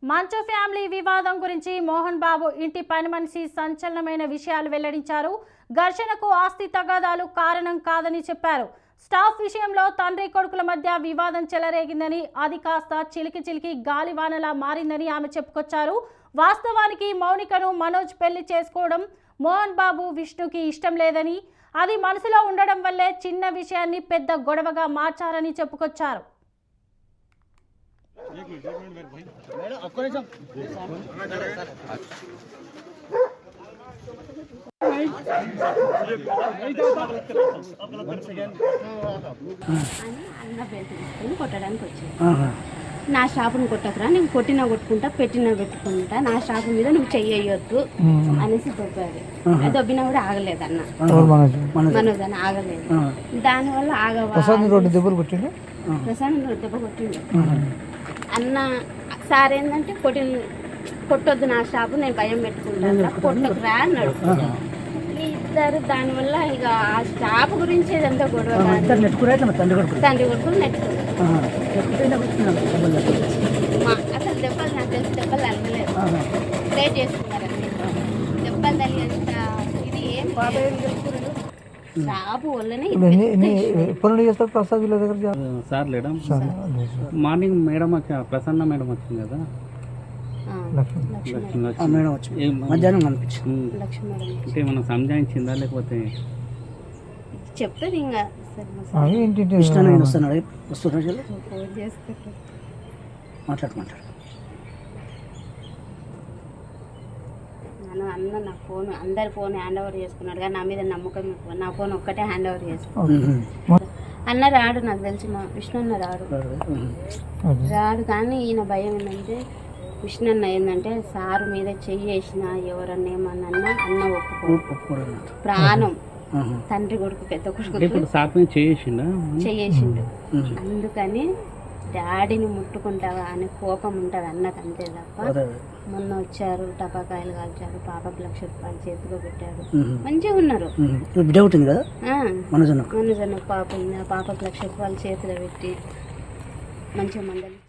మంచు ఫ్యామిలీ వివాదం గురించి మోహన్ బాబు ఇంటి పని మనిషి సంచలనమైన విషయాలు వెల్లడించారు. ఘర్షణకు ఆస్తి తగాదాలు కారణం కాదని చెప్పారు. స్టాఫ్ విషయంలో తండ్రి కొడుకుల మధ్య వివాదం చెలరేగిందని, అది కాస్త చిలికి గాలివానలా మారిందని ఆమె చెప్పుకొచ్చారు. వాస్తవానికి మౌనికను మనోజ్ పెళ్లి చేసుకోవడం మోహన్ బాబు విష్ణుకి ఇష్టం లేదని, అది మనసులో ఉండడం వల్లే చిన్న విషయాన్ని పెద్ద గొడవగా మార్చారని చెప్పుకొచ్చారు. కొట్టడానికి వచ్చాను. నా షాపును కొట్టకురా, నేను కొట్టినా కొట్టుకుంటా, పెట్టినా పెట్టుకుంటా, నా షాపు మీద నువ్వు చెయ్యొద్దు అనేసి దొబ్బాడు. దొబ్బినా కూడా ఆగలేదు అన్న, మనోజ్ అని ఆగలేదు. దానివల్ల దెబ్బ కొట్టిండు అన్న. సార్ ఏంటంటే కొట్టొద్దు నా షాపు, నేను భయం పెట్టుకుంటాను, కొట్టకురా అన్నాడు. ఇద్దరు దానివల్ల ఇక ఆ షాపు గురించి ఏదంతా గొడవ. తండ్రి కొడుకులు నెట్టుకున్నారు. అసలు దెబ్బలు నాకు తెలిసి దెబ్బలు తగలేదు, ప్రే చేసుకున్నారండి. దెబ్బలు తగినంత ఇది ఏం షాపు వల్లనే. సార్ లేడం మార్నింగ్ మేడం ప్రసన్న మేడం వచ్చింది కదా, మధ్యాహ్నం కనిపించింది. అంటే మనం సంజాయించిందా లేకపోతే చెప్తుంది ఇంకా మాట్లాడు అన్న నా ఫోన్ అందరి ఫోన్ హ్యాండ్ ఓవర్ చేసుకున్నాడు, కానీ నా మీద నమ్మకం ఎక్కువ. నా ఫోన్ ఒక్కటే హ్యాండ్ ఓవర్ చేసుకున్నాడు. అన్న రాడు, నాకు తెలిసి మా విష్ణు అన్న రాడు. కానీ ఈయన భయం ఏంటంటే, విష్ణు అన్న ఏంటంటే సారు మీద చెయ్యేసిన ఎవరన్నా ఏమన్నా అన్న ఒప్పుకోడు. ప్రాణం తండ్రి కొడుకు పెద్ద కొడుకు చెయ్యేసిండు. అందుకని డాడీని ముట్టుకుంటావా అని కోపం ఉంటుంది అన్నకు, అంతే తప్ప. మొన్న వచ్చారు, టపాకాయలు కాల్చారు, పాపకు ₹1,00,000 చేతిలో పెట్టారు, మంచిగా ఉన్నారు. మనోజన్న పాప ఉంది, ఆ పాపకు ₹1,00,000 చేతిలో పెట్టి మంచిగా మందలి